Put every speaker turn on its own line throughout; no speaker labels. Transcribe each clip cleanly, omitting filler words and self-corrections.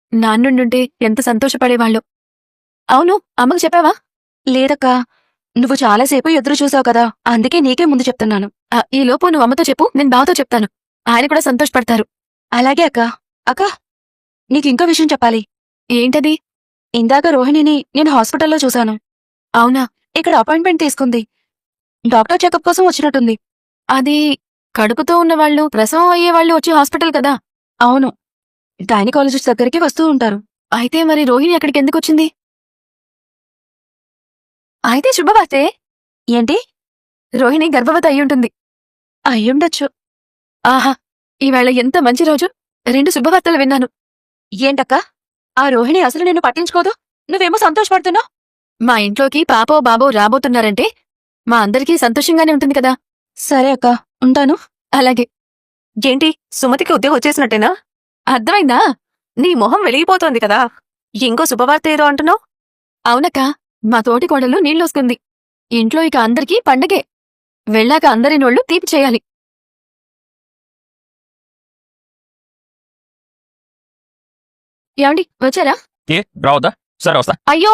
నాన్నుండుంటే ఎంత సంతోషపడేవాళ్ళు. అవును, అమ్మకు చెప్పావా?
లేదక్కా, నువ్వు చాలాసేపు ఎదురు చూసావు కదా, అందుకే నీకే ముందు చెప్తున్నాను.
ఈలోపు నువ్వు అమ్మతో చెప్పు, నేను బావతో చెప్తాను. ఆయన కూడా సంతోషపడతారు.
అలాగే అక్కా. అక్కా, నీకింకో విషయం చెప్పాలి.
ఏంటది?
ఇందాక రోహిణిని నేను హాస్పిటల్లో చూశాను.
అవునా?
ఇక్కడ అపాయింట్మెంట్ తీసుకుంది. డాక్టర్ చెకప్ కోసం వచ్చినట్టుంది.
అది కడుపుతో ఉన్నవాళ్ళు, ప్రసవం అయ్యేవాళ్ళు వచ్చే హాస్పిటల్ కదా.
అవును, గైనకాలజిస్ట్ దగ్గరికి వస్తూ ఉంటారు.
అయితే మరి రోహిణి అక్కడికి ఎందుకొచ్చింది? అయితే శుభవార్తే.
ఏంటి?
రోహిణి గర్భవతి అయ్యుంటుంది.
అయ్యుండొచ్చు.
ఆహా, ఈవేళ ఎంత మంచి రోజు. 2 శుభవార్తలు విన్నాను.
ఏంటక్కా, ఆ రోహిణి అసలు నిన్ను పట్టించుకోదు, నువ్వేమో సంతోషపడుతున్నావు.
మా ఇంట్లోకి పాపో బాబో రాబోతున్నారంటే మా అందరికీ సంతోషంగానే ఉంటుంది కదా.
సరే అక్కా, ఉంటాను.
అలాగే.
ఏంటి, సుమతికి ఉద్యోగం వచ్చేసినట్టేనా?
అర్థమైందా?
నీ మొహం వెలిగిపోతోంది కదా. ఇంకో శుభవార్త ఏదో అంటున్నావు.
అవునక్క, మా తోటి కోడలు నీళ్ళొసుకుంది. ఇంట్లో ఇక అందరికీ పండగే. వెళ్ళాక అందరి నోళ్లు తీపి చేయాలి. ఏమండి, వచ్చారా?
ఏ రావద్దా? సరే వస్తా.
అయ్యో,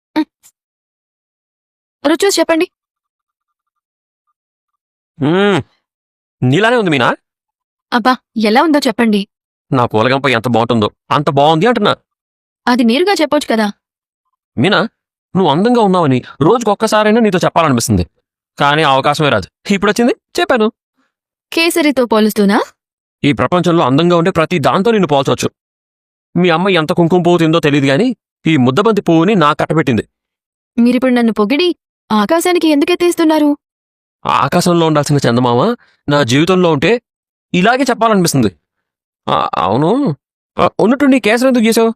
రుచి చూసి చెప్పండి.
నీలానే ఉంది మీనా.
అబ్బా, ఎలా ఉందో చెప్పండి.
నా పూలగంప ఎంత బాగుంటుందో అంత బాగుంది అంటున్నా.
అది నేరుగా చెప్పొచ్చు కదా.
మీనా, నువ్వు అందంగా ఉన్నావని రోజుకొక్కసారైనా నీతో చెప్పాలనిపిస్తుంది, కానీ అవకాశమే రాదు. ఇప్పుడొచ్చింది, చెప్పాను.
కేసరితో పోలుస్తూనా?
ఈ ప్రపంచంలో అందంగా ఉండే ప్రతి దాంతో నిన్ను పోల్చవచ్చు. మీ అమ్మ ఎంత కుంకుమ పువ్వు తిందో తెలియదు గాని ఈ ముద్దబంతి పువ్వుని నా కట్టబెట్టింది.
మీరిప్పుడు నన్ను పొగిడి ఆకాశానికి ఎందుకెత్తేస్తున్నారు?
ఆకాశంలో ఉండాల్సిన చందమామ నా జీవితంలో ఉంటే ఇలాగే చెప్పాలనిపిస్తుంది. అవును, ఉన్నట్టు నీ కేసులు ఎందుకు గీసావు?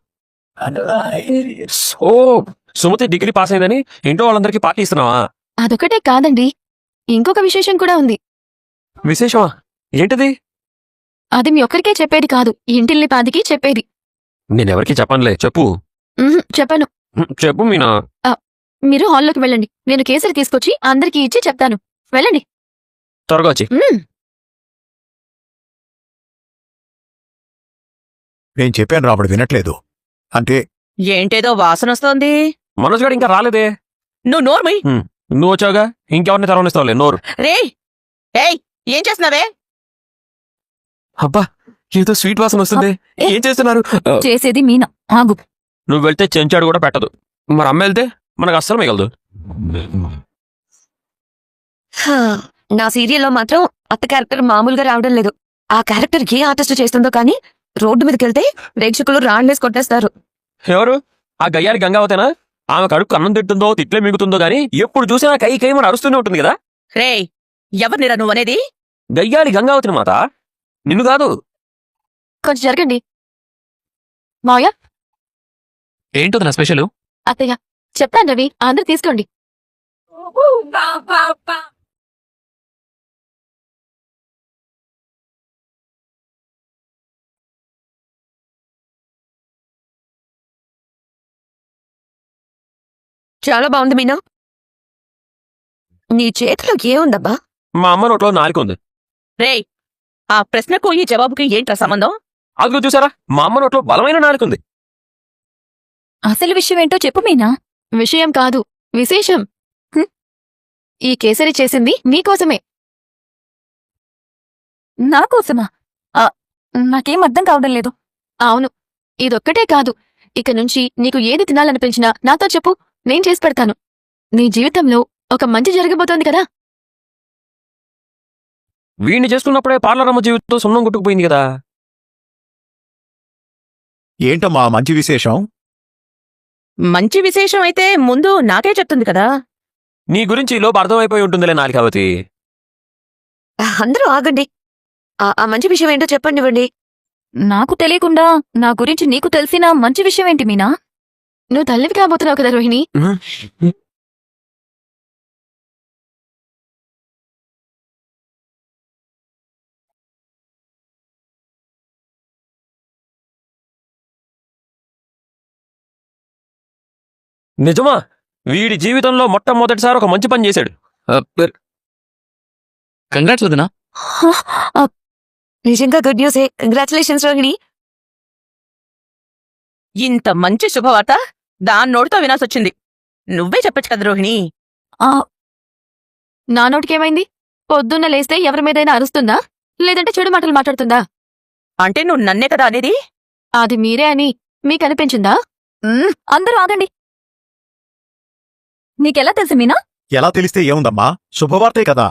ఓ, సుమతి డిగ్రీ పాస్ అయిందని ఇంట్లో వాళ్ళందరికీ పార్టీ ఇస్తున్నావా?
అదొకటే కాదండి, ఇంకొక విశేషం కూడా ఉంది.
విశేషమా? ఏంటిది?
అది మీ ఒక్కరికే చెప్పేది కాదు, ఇంటిల్లి పాదికి చెప్పేది.
నేనెవరికి చెప్పనులే, చెప్పు.
చెప్పను.
చెప్పు మీనా.
మీరు హాల్లోకి వెళ్ళండి, నేను కేసరి తీసుకొచ్చి అందరికీ ఇచ్చి చెప్తాను. వెళ్ళండి.
త్వరగా వచ్చి.
నేను చెప్పాను రాబడి వినట్లేదు. అంటే
ఏంటేదో వాసనొస్తోంది.
మనోజ్ గారు ఇంకా రాలేదే.
నువ్వు నోర్మై.
నువ్వు వచ్చావుగా, ఇంకెవరిని తెరవనిస్తావులే నోరు.
రే, ఏయ్, ఏం చేస్తున్నావే?
అబ్బా, ఏదో స్వీట్ వాసన వస్తుంది. ఏం చేస్తున్నారు?
చేసేది మీనా, ఆగు.
నువ్వు వెళ్తే చెంచాడు కూడా పెట్టదు, మరి అమ్మ వెళ్తే మనకు అస్సలు మిగలదు.
నా సీరియల్లో మాత్రం అత్త క్యారెక్టర్ మామూలుగా రావడం లేదు. ఆ క్యారెక్టర్ ఏ ఆర్టిస్ట్ చేస్తుందో కానీ రోడ్డు మీదకెళ్తే ప్రేక్షకులు రాండ్లేసి కొట్టేస్తారు.
ఎవరు? ఆ గయ్యాలి గంగావతేనా? ఆమె కడుపు అన్నం తింటుందో తిట్లే మిగుతుందో గాని ఎప్పుడు చూసినా కై కై మన అరుస్తూనే ఉంటుంది కదా.
రే, ఎవరినిరా నువ్వనేది?
గయ్యాలి గంగావతిని మాత, నిన్ను కాదు.
కొంచెం జరగండి. మావయ్య.
ఏంటో నా స్పెషల్?
అత్తయ్య, చెప్తాను రవి, అందరు తీసుకోండి.
చాలా బాగుంది మీనా. నీ చేతిలో ఏముందబ్బా?
మా అమ్మ నోట్లో నాలుక ఉంది.
రే, ఆ ప్రశ్నకు ఈ జవాబుకి ఏంట్రా సంబంధం?
అదిగో చూసారా, మా అమ్మ నోట్లో బలమైన నాలుక ఉంది.
అసలు విషయం ఏంటో చెప్పు మీనా. విషయం కాదు, విశేషం. ఈ కేసరి చేసింది నీకోసమే. నాకోసమా? నాకేం అర్థం కావడం లేదు. అవును, ఇదొక్కటే కాదు, ఇక నుంచి నీకు ఏది తినాలనిపించినా నాతో చెప్పు, నేను చేసి పెడతాను. నీ జీవితంలో ఒక మంచి జరగబోతోంది కదా.
వీణ్ణి చేసుకున్నప్పుడే పార్లరమ్మ జీవితంతో సున్నం కొట్టుకుపోయింది కదా.
ఏంటమ్మా మంచి విశేషం?
మంచి విశేషం అయితే ముందు నాకే చెప్తుంది కదా.
నీ గురించి లోపు అర్థమైపోయి ఉంటుందిలే నాలికావతి.
అందరూ ఆగండి. ఆ మంచి విషయం ఏంటో చెప్పండివ్వండి.
నాకు తెలియకుండా నా గురించి నీకు తెలిసిన మంచి విషయం ఏంటి మీనా? నువ్వు తల్లివి కాబోతున్నావు కదా రోహిణి.
నిజమా? వీడి జీవితంలో మొట్టమొదటిసారి ఒక మంచి పని చేశాడు. కంగ్రాట్స్ వదినా.
నిజంగా గుడ్ న్యూసే. కంగ్రాచులేషన్స్ రోహిణి.
ఇంత మంచి శుభవార్త దాని నోటితో వినాల్సొచ్చింది. నువ్వే చెప్పొచ్చు కదా రోహిణి.
ఆ నా నోటికేమైంది? పొద్దున్న లేస్తే ఎవరి మీదైనా అరుస్తుందా, లేదంటే చెడు మాటలు మాట్లాడుతుందా?
అంటే నువ్వు నన్నే కదా అనేది?
అది మీరే అని మీకనిపించిందా? అందరూ ఆగండి. నీకెలా తెలుసు మీనా?
ఎలా తెలిస్తే ఏముందమ్మా, శుభవార్తే కదా.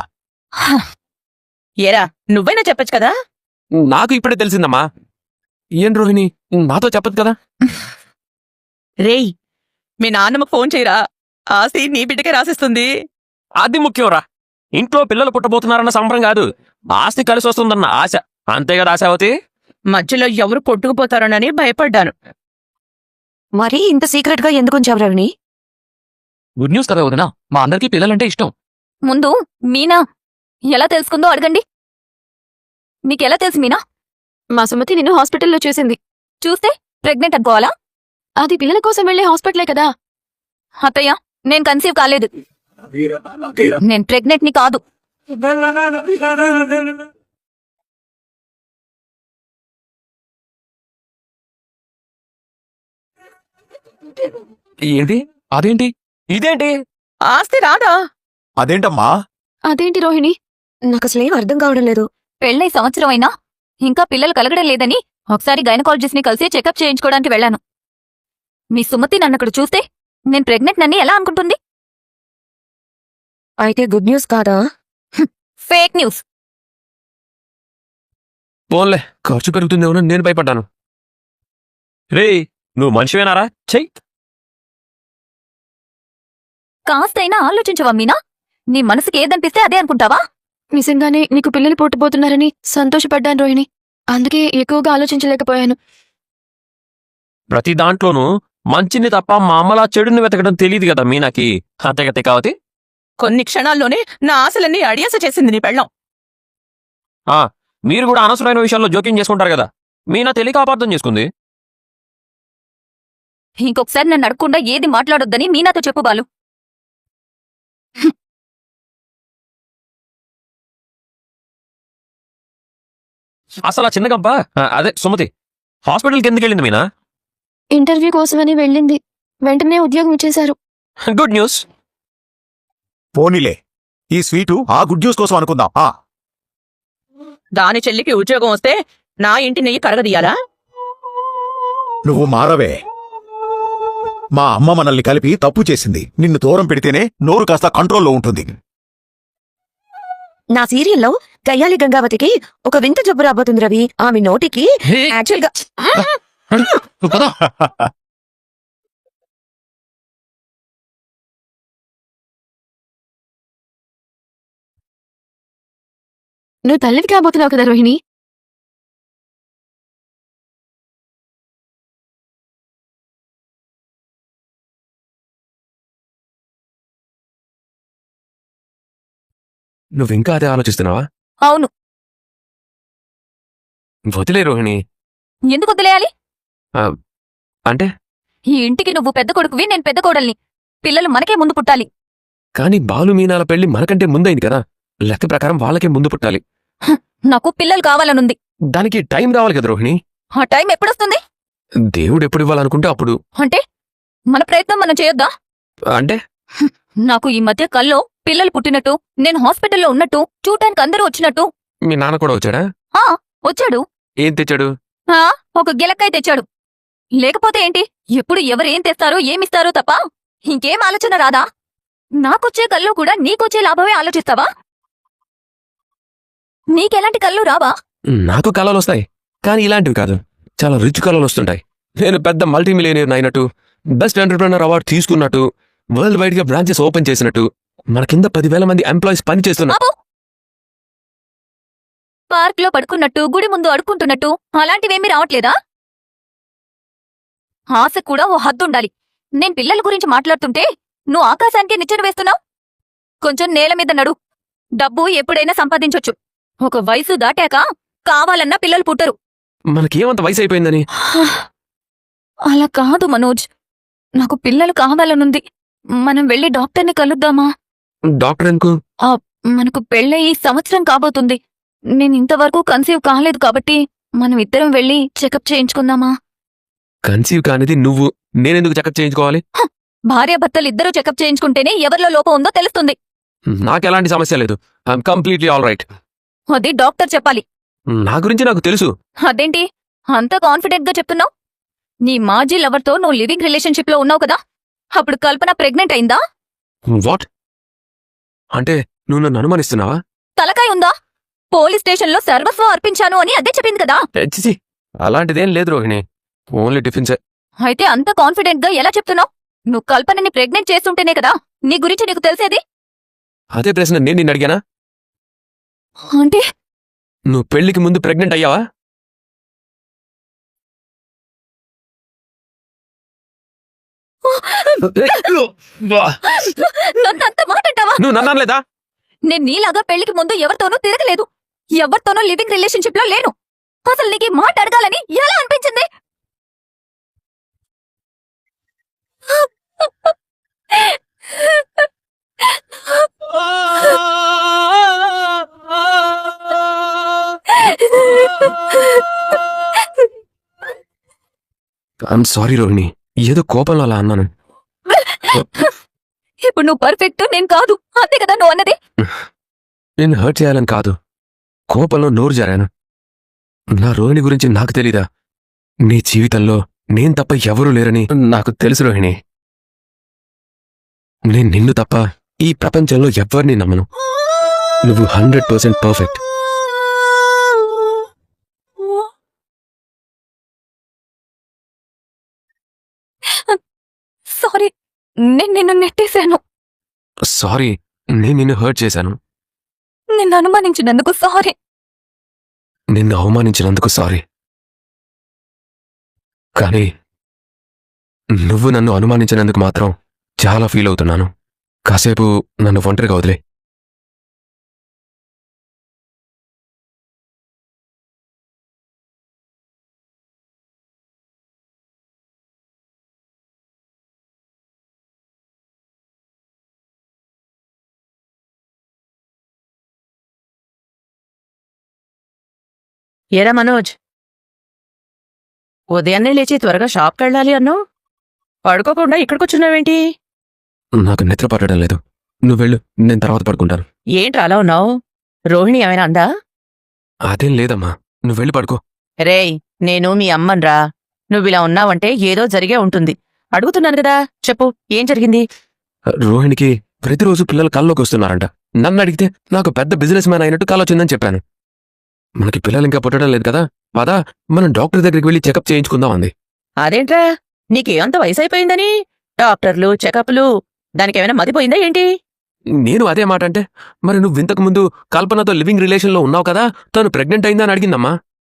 ఏరా నువ్వైనా చెప్పొచ్చు కదా.
నాకు ఇప్పుడే తెలిసిందమ్మా. ఏం రోహిణి, నాతో చెప్పదు కదా?
రేయ్, మీ నాన్నమ్మకు ఫోన్ చేయరా, ఆస్తి నీ బిడ్డకే రాసిస్తుంది.
అది ముఖ్యంరా. ఇంట్లో పిల్లలు పుట్టబోతున్నారన్న సంబరం కాదు, ఆస్తి కలిసి వస్తుందన్న ఆశ. అంతే కదా ఆశావతి?
మధ్యలో ఎవరు కొట్టుకుపోతారోనని భయపడ్డాను.
మరీ ఇంత సీక్రెట్ గా ఎందుకు ఉంచావు రవిని?
గుడ్ న్యూస్ కదా వదినా, మా అందరికీ పిల్లలంటే ఇష్టం.
ముందు మీనా ఎలా తెలుసుకుందో అడగండి. మీకెలా తెలుసు మీనా? మా సుమతి నిన్ను హాస్పిటల్లో చూసింది. చూస్తే ప్రెగ్నెంట్ అనుకోవాలా? అది పిల్లల కోసం వెళ్లే హాస్పిటలే కదా. అత్తయ్య, నేను కన్సీవ్ కాలేదు. నేను ప్రెగ్నెంట్ ని కాదు.
ఏంటి? అదేంటి? ఇదేంటి?
ఆస్తి రాదా?
అదేంటమ్మా?
అదేంటి రోహిణి?
నాకు అసలేం అర్థం కావడం లేదు.
పెళ్ళై సంవత్సరం అయినా ఇంకా పిల్లలు కలగడం లేదని ఒకసారి గైనకాలజిస్ట్ ని కలిసి చెకప్ చేయించుకోవడానికి వెళ్ళాను. మీ సుమతి నన్నక్కడ చూస్తే నేను ప్రెగ్నెంట్ నని ఎలా అనుకుంటుంది?
అయితే గుడ్ న్యూస్ కాదా?
Fake news.
పోన్లే, ఖర్చు పెరుగుతుందేమో నేను భయపడ్డాను. రే, నువ్వు మనిషివేనారా? చెయ్యి.
కాస్తైనా ఆలోచించవా మీనా? నీ మనసుకి ఏదనిపిస్తే అదే అనుకుంటావా? నిజంగానే నీకు పిల్లలు పుట్టబోతున్నారని సంతోషపడ్డాను రోహిణి. అందుకే ఎక్కువగా ఆలోచించలేకపోయాను.
ప్రతి దాంట్లోనూ మంచిని తప్ప మా అమ్మలా చెడుని వెతకడం తెలియదు కదా మీనాకి. అంతేగతే కావతి.
కొన్ని క్షణాల్లోనే నా ఆశలన్నీ అడియాస చేసింది నీ పెళ్ళం.
మీరు కూడా అనవసరమైన విషయాల్లో జోక్యం చేసుకుంటారు కదా. మీనా తెలియక అపార్థం చేసుకుంది.
ఇంకొకసారి నన్ను అడగకుండా ఏది మాట్లాడొద్దని మీనాతో చెప్పు బాలు.
అసలు ఆ చిన్న గంప, అదే సుమతి, హాస్పిటల్కి ఎందుకు వెళ్ళింది మీనా?
ఇంటర్వ్యూ కోసమని వెళ్ళింది. వెంటనే ఉద్యోగం ఇచ్చేశారు.
Good news.
పోనీలే, ఈ స్వీటు ఆ గుడ్ న్యూస్ కోసం అనుకుందాం.
దాని చెల్లికి ఉద్యోగం వస్తే నా ఇంటి నెయ్యి కరగదీయాలా?
నువ్వు మారవే. మా అమ్మ మనల్ని కలిపి తప్పు చేసింది. నిన్ను దూరం పెడితేనే నోరు కాస్త కంట్రోల్లో ఉంటుంది.
నా సీరియల్లో గయ్యాలి గంగావతికి ఒక వింత జబ్బు రాబోతుంది రవి. ఆమె నోటికి యాక్చువల్ గా
నువ్వు తల్లివి కాబోతున్నావు కదా రోహిణి.
నువ్వింకా అదే ఆలోచిస్తున్నావా?
అవును.
వదిలే రోహిణి.
ఎందుకు వదిలేయాలి?
అంటే
ఈ ఇంటికి నువ్వు పెద్ద కొడుకువి, నేను పెద్ద కోడల్ని. పిల్లలు మనకే ముందు పుట్టాలి.
కానీ బాలు మీనాల పెళ్లి మనకంటే ముందైంది కదా. లెక్క ప్రకారం వాళ్ళకే ముందు పుట్టాలి.
నాకు పిల్లలు కావాలనుంది.
దానికి టైం రావాలి కదా రోహిణి.
ఆ టైం ఎప్పుడొస్తుంది?
దేవుడు ఎప్పుడు ఇవ్వాలనుకుంటే అప్పుడు.
అంటే మన ప్రయత్నం మనం చేయొద్దా?
అంటే
నాకు ఈ మధ్య కల్లో పిల్లలు పుట్టినట్టు, నేను హాస్పిటల్లో ఉన్నట్టు, చూడటానికి అందరూ వచ్చినట్టు.
మీ నాన్న కూడా వచ్చాడా?
వచ్చాడు.
ఏం తెచ్చాడు?
ఒక గిలక్కాయ తెచ్చాడు. లేకపోతే ఏంటి, ఎప్పుడు ఎవరేం తెస్తారో ఏమిస్తారో తప్ప ఇంకేం ఆలోచన రాదా? నాకొచ్చే కళ్ళు కూడా నీకొచ్చే లాభమే ఆలోచిస్తావా? నీకెలాంటి కళ్ళు రావా?
నాకు కళలు వస్తాయి, కానీ ఇలాంటివి కాదు. చాలా రిచ్ కళలు వస్తుంటాయి. నేను పెద్ద మల్టీ మిలియనీర్ అయినట్టు, బెస్ట్ ఎంటర్ప్రెనర్ అవార్డు తీసుకున్నట్టు, వరల్డ్ వైడ్ గా బ్రాంచెస్ ఓపెన్ చేసినట్టు, మన కింద 10,000 మంది ఎంప్లాయీస్ పని చేస్తున్నారు.
పార్క్ లో పడుకున్నట్టు, గుడి ముందు అడుక్కుంటున్నట్టు అలాంటివేమీ రావట్లేదా? ఆశ కూడా ఓ హద్దుండాలి. నేను పిల్లల గురించి మాట్లాడుతుంటే నువ్వు ఆకాశానికే నిచ్చెన వేస్తున్నావు. కొంచెం నేల మీద నడు. డబ్బు ఎప్పుడైనా సంపాదించొచ్చు. ఒక వయసు దాటాక కావాలన్నా పిల్లలు పుట్టరు.
మనకేమంత వయసు అయిపోయిందని?
అలా కాదు మనోజ్, నాకు పిల్లలు కావాలనుంది. మనం వెళ్ళి డాక్టర్ని కలుద్దామా?
డాక్టర్ ఎందుకు?
మనకు పెళ్ళయి సంవత్సరం కాబోతుంది. నేను ఇంతవరకు కన్సీవ్ కాలేదు కాబట్టి మనం ఇద్దరం వెళ్ళి చెకప్ చేయించుకుందామా?
కన్సీవ్ కానిది నువ్వు, నేనెందుకు చెకప్ చేయించుకోవాలి?
భార్యాభర్తలు ఇద్దరూ చెకప్ చేయించుకుంటేనే ఎవరిలో లోపం ఉందో తెలుస్తుంది.
నాకెలాంటి సమస్య లేదు. I'm completely all right.
అది డాక్టర్ చెప్పాలి.
నా గురించి నాకు తెలుసు.
అదేంటి అంత కాన్ఫిడెంట్ గా చెప్తున్నావు? నీ మాజీ లవర్తో నువ్వు లివింగ్ రిలేషన్షిప్ లో ఉన్నావు కదా, అప్పుడు కల్పన ప్రెగ్నెంట్ అయిందా?
వాట్? అంటే నువ్వు నన్ను అనుమానిస్తున్నావా?
తలకాయ ఉందా? పోలీస్ స్టేషన్లో సర్వస్వం అర్పించాను అని అదే చెప్పింది కదా.
చిచి, అలాంటిదేం లేదు రోహిణి. ఓన్లీ టిఫిన్సే.
అయితే అంత కాన్ఫిడెంట్ గా ఎలా చెప్తున్నావు? నువ్వు కల్పనని ప్రెగ్నెంట్ చేస్తుంటేనే కదా నీ గురించి నీకు తెలిసేది.
అదే ప్రశ్న నేను నిన్ను అడిగానా?
అంటే
నువ్వు పెళ్లికి ముందు ప్రెగ్నెంట్ అయ్యావా?
నన్ను అంత మాట అంటావా?
నువ్వు నన్ను అనలేదా?
నేను నీలాగా పెళ్లికి ముందు ఎవరితోనూ తిరగలేదు, ఎవరితోనూ లివింగ్ రిలేషన్షిప్ లో లేను. అసలు నీకు ఈ మాట అడగాలని ఎలా అనిపించింది?
ఐఎమ్ సారీ రోహిణి, ఏదో కోపంలో అలా అన్నాను.
ఇప్పుడు నువ్వు పర్ఫెక్ట్, నేను కాదు, అంతే కదా నువ్వు అన్నది.
నేను హర్ట్ చేయాలని కాదు, కోపంలో నోరు జారాను. నా రోహిణి గురించి నాకు తెలీదా? నీ జీవితంలో నేను తప్ప ఎవరూ లేరని నాకు తెలుసు రోహిణి. నేను నిన్ను తప్ప ఈ ప్రపంచంలో ఎవ్వరిని నమ్మను. నువ్వు 100% పర్ఫెక్ట్.
సారీ, నేను నిన్ను నెట్టేశాను.
సారీ, నేను నిన్ను హర్ట్ చేశాను.
నిన్ను అనుమానించినందుకు సారీ.
నిన్ను అవమానించినందుకు సారీ. కానీ నువ్వు నన్ను అనుమానించినందుకు మాత్రం చాలా ఫీల్ అవుతున్నాను. కాసేపు నన్ను ఒంటరిగా వదిలే.
ఏరా మనోజ్, ఉదయాన్నే లేచి త్వరగా షాప్కి వెళ్ళాలి అన్నావు. పడుకోకుండా ఇక్కడికొచ్చున్నావేంటి?
నాకు నిద్ర పట్టడం లేదు. నువ్వు వెళ్ళు, నేను తర్వాత పడుకుంటాను.
ఏంట్రా అలా ఉన్నావు? రోహిణి ఏమైనా అందా?
అదేం లేదమ్మా, నువ్వు వెళ్ళి పడుకో.
రేయ్, నేను మీ అమ్మన్రా. నువ్విలా ఉన్నావంటే ఏదో జరిగే ఉంటుంది. అడుగుతున్నాను కదా, చెప్పు, ఏం జరిగింది?
రోహిణికి ప్రతిరోజు పిల్లలు కల్లోకి వస్తున్నారంట. నన్ను అడిగితే నాకు పెద్ద బిజినెస్ మ్యాన్ అయినట్టు కాలొచ్చిందని చెప్పాను. మనకి పిల్లలు ఇంకా పుట్టడం లేదు కదా, పదా మనం డాక్టర్ దగ్గరికి వెళ్ళి చెకప్ చేయించుకుందాం అంది.
అదేంట్రా, నీకేమంత వయసైపోయిందని డాక్టర్లు, చెకప్లు, దానికేమైనా మతిపోయిందా ఏంటి?
నేను అదే మాట అంటే, మరి నువ్వు ఇంతకు ముందు కల్పనతో లివింగ్ రిలేషన్లో ఉన్నావు కదా, తను ప్రెగ్నెంట్ అయిందా అని అడిగిందమ్మా.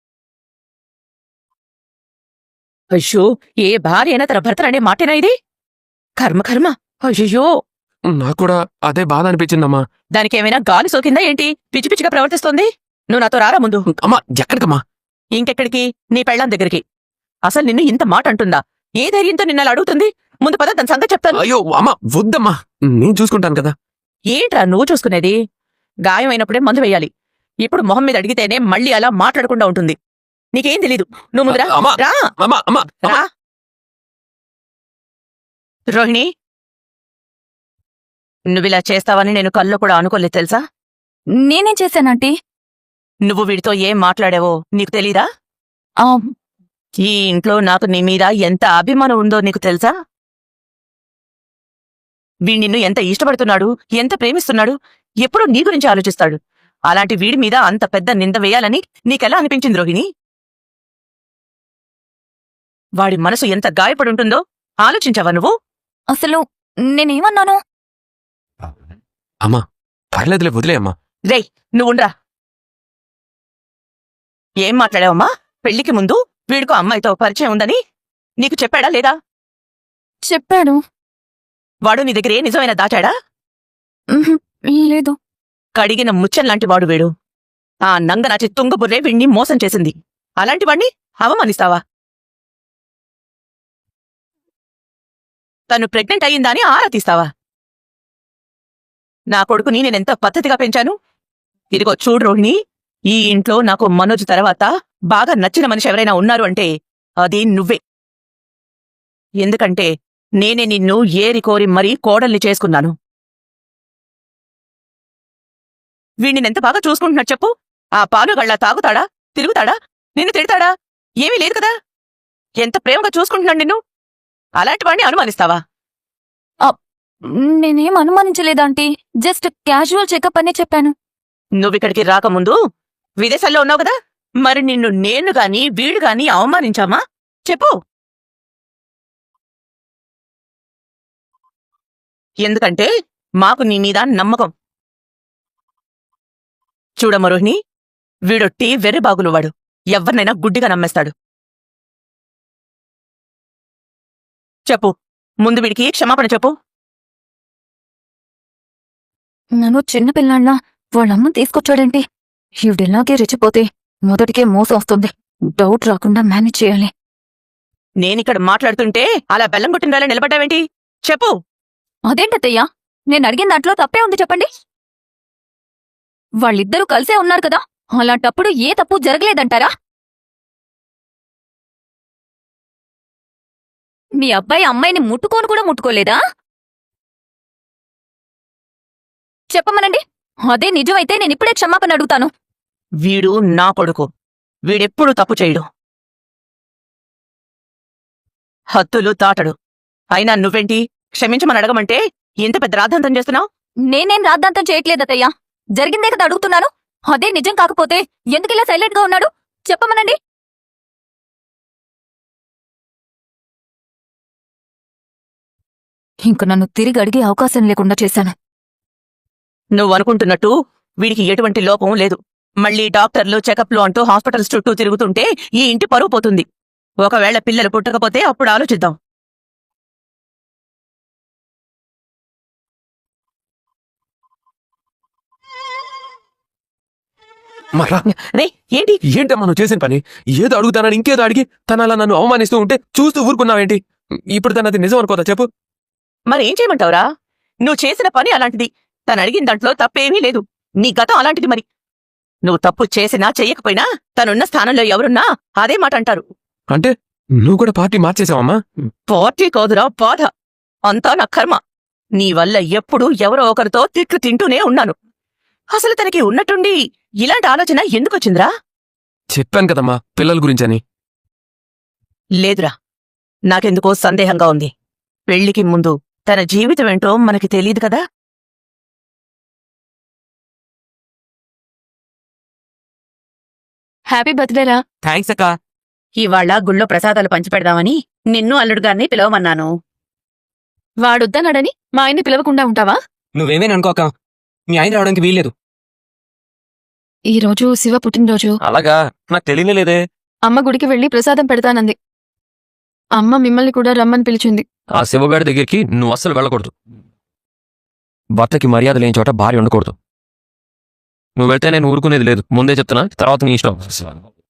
అయ్యో, ఏ భార్య అయినా తన భర్తననే మాటేనా ఇది? కర్మ కర్మ. అయ్యో,
నాకు కూడా అదే బాధ అనిపించిందమ్మా.
దానికేమైనా గాలి సోకిందా ఏంటి? పిచ్చి పిచ్చిగా ప్రవర్తిస్తోంది. నువ్వు నాతో రారా ముందు.
అమ్మా, ఎక్కడికమ్మా?
ఇంకెక్కడికి? నీ పెళ్ళాం దగ్గరికి. అసలు నిన్ను ఇంత మాట అంటుందా? ఏ ధైర్యంతో నిన్నలా అడుగుతుంది? ముందు పద, దాని సంగతి చెప్తాను.
అయ్యో అమ్మా, వద్దమ్మా, నేను చూసుకుంటాను కదా.
ఏంట్రా నువ్వు చూసుకునేది? గాయం అయినప్పుడే మందు వేయాలి. ఇప్పుడు మొహం మీద అడిగితేనే మళ్ళీ అలా మాట్లాడకుండా ఉంటుంది. నీకేం తెలీదు. నువ్వు ముందురా.
అమ్మా,
రా
అమ్మా, అమ్మా,
రా. రోహిణి, నువ్విలా చేస్తావని నేను కల్లో కూడా అనుకోలేదు తెలుసా?
నేనేం చేశానంటీ?
నువ్వు వీడితో ఏం మాట్లాడావో నీకు తెలీదా? ఈ ఇంట్లో నాకు నీ మీద ఎంత అభిమానం ఉందో నీకు తెలుసా? వీడి నిన్ను ఎంత ఇష్టపడుతున్నాడు, ఎంత ప్రేమిస్తున్నాడు, ఎప్పుడూ నీ గురించి ఆలోచిస్తాడు. అలాంటి వీడి మీద అంత పెద్ద నింద వేయాలని నీకెలా అనిపించింది రోహిణి? వాడి మనసు ఎంత గాయపడుంటుందో ఆలోచించావా నువ్వు?
అసలు నేనేమన్నాను?
అమ్మా, పర్లేదులే, వదిలే అమ్మా.
రేయ్, నువ్వుండ్రా. ఏం మాట్లాడావమ్మా? పెళ్లికి ముందు వీడికో అమ్మాయితో పరిచయం ఉందని నీకు చెప్పాడా లేదా?
చెప్పాడు.
వాడు నీ దగ్గర ఏ నిజమైన దాచాడా?
లేదు.
కడిగిన ముచ్చంలాంటి వాడు వీడు. ఆ నంగనాచి తుంగబుర్రే వీణ్ణి మోసం చేసింది. అలాంటి వాణ్ణి అవమానిస్తావా? తను ప్రెగ్నెంట్ అయ్యిందా అని ఆరా తీస్తావా? నా కొడుకుని నేనెంత పద్ధతిగా పెంచాను. ఇదిగో చూడు రోహిణి, ఈ ఇంట్లో నాకు మనోజ్ తర్వాత బాగా నచ్చిన మనిషి ఎవరైనా ఉన్నారు అంటే అది నువ్వే. ఎందుకంటే నేనే నిన్ను ఏరి కోరి మరీ కోడల్ని చేసుకున్నాను. వీణ్ణెంత బాగా చూసుకుంటున్నాడు చెప్పు. ఆ పాలుగళ్ళ తాగుతాడా, తిరుగుతాడా, నిన్ను తిడతాడా? ఏమీ లేదు కదా. ఎంత ప్రేమగా చూసుకుంటున్నాడు నిన్ను. అలాంటి వాడిని అనుమానిస్తావా?
నేనేం అనుమానించలేదాంటీ, జస్ట్ క్యాజువల్ చెకప్ అనే చెప్పాను.
నువ్విక్కడికి రాకముందు విదేశాల్లో ఉన్నావు కదా. మరి నిన్ను నేను గాని వీడు గాని అవమానించామా చెప్పు. ఎందుకంటే మాకు నీ మీద నమ్మకం. చూడమ్మ రోహిణి, వీడొట్టి వెర్రిబాగులు వాడు. ఎవ్వరినైనా గుడ్డిగా నమ్మేస్తాడు. చెప్పు, ముందు వీడికి క్షమాపణ చెప్పు.
నన్ను చిన్నపిల్లాళ్ళ వాళ్ళమ్మ తీసుకొచ్చాడేంటి? ఈవిడిలాగే రెచ్చిపోతే మొదటికే మోసం వస్తుంది. డౌట్ రాకుండా మేనేజ్ చేయాలి.
నేనిక్కడ మాట్లాడుతుంటే అలా బెల్లం కొట్టిన నిలబడ్డావేంటి? చెప్పు.
అదేంటత్తయ్యా, నేను అడిగిన దాంట్లో తప్పే ఉంది చెప్పండి. వాళ్ళిద్దరూ కలిసే ఉన్నారు కదా, అలాంటప్పుడు ఏ తప్పు జరగలేదంటారా? మీ అబ్బాయి అమ్మాయిని ముట్టుకోను కూడా ముట్టుకోలేదా? చెప్పమనండి. అదే నిజమైతే నేనిప్పుడే క్షమాపణ అడుగుతాను.
వీడు నా కొడుకు. వీడెప్పుడు తప్పు చేయడు, హత్తులు తాటడు. అయినా నువ్వేంటి క్షమించమని అడగమంటే ఇంత పెద్ద రాద్ధాంతం చేస్తున్నావు?
నేనేం రాద్ధాంతం చేయట్లేదత్తయ్యా, జరిగిందే కదా అడుగుతున్నాను. అదే నిజం కాకపోతే ఎందుకిలా సైలెంట్ గా ఉన్నాడు? చెప్పమనండి. ఇంక నన్ను తిరిగి అడిగే అవకాశం లేకుండా చేశాను.
నువ్వనుకుంటున్నట్టు వీడికి ఎటువంటి లోపం లేదు. మళ్ళీ డాక్టర్లు చెకప్లు అంటూ హాస్పిటల్స్ చుట్టూ తిరుగుతుంటే ఈ ఇంటి పరువు పోతుంది. ఒకవేళ పిల్లలు పుట్టకపోతే అప్పుడు ఆలోచిద్దాం.
మరా
రే, ఏంటి?
ఏంటమ్మా నువ్వు చేసిన పని? ఏదో అడుగుతానని ఇంకేదో అడిగి తన అలా నన్ను అవమానిస్తూ ఉంటే చూస్తూ ఊరుకున్నావేంటి? ఇప్పుడు తనది నిజం అనుకోదా చెప్పు.
మరేం చేయమంటావురా? నువ్వు చేసిన పని అలాంటిది. తను అడిగిన దాంట్లో తప్పేమీ లేదు. నీ గతం అలాంటిది. మరి నువ్వు తప్పు చేసినా చెయ్యకపోయినా తనున్న స్థానంలో ఎవరున్నా అదే మాట అంటారు.
అంటే నువ్వు కూడా పార్టీ మార్చేసావమ్మా?
పార్టీ కాదురా, బాధ. అంతా నా కర్మ. నీ వల్ల ఎప్పుడూ ఎవరో ఒకరితో తిట్లు తింటూనే ఉన్నాను. అసలు తనకి ఉన్నట్టుండి ఇలాంటి ఆలోచన ఎందుకొచ్చిందిరా?
చెప్పాను కదమ్మా పిల్లల గురించని.
లేదురా, నాకెందుకో సందేహంగా ఉంది. పెళ్లికి ముందు తన జీవితం ఏంటో మనకి తెలియదు కదా.
హ్యాపీ బర్త్డేరా.
థ్యాంక్స్ అక్క.
ఇవాళ గుళ్ళో ప్రసాదాలు పంచిపెడదామని నిన్ను అల్లుడుగారిని పిలవమన్నాను.
వాడొద్దన్నాడని మా ఆయన్ని పిలవకుండా ఉంటావా?
నువ్వేమేని అనుకోక, మీ ఆయన రావడానికి వీల్లేదు.
ఈ రోజు శివ పుట్టినరోజు.
అలాగా, నాకు తెలియలేదే.
అమ్మ గుడికి వెళ్లి ప్రసాదం పెడతానంది. అమ్మ మిమ్మల్ని కూడా రమ్మని పిలిచింది.
ఆ శివగాడి దగ్గరికి నువ్వు అస్సలు వెళ్ళకూడదు. భర్తకి మర్యాద లేని చోట భార్య ఉండకూడదు. నువ్వు వెళ్తే నేను ఊరుకునేది లేదు. ముందే చెప్తున్నా, తర్వాత నీ ఇష్టం.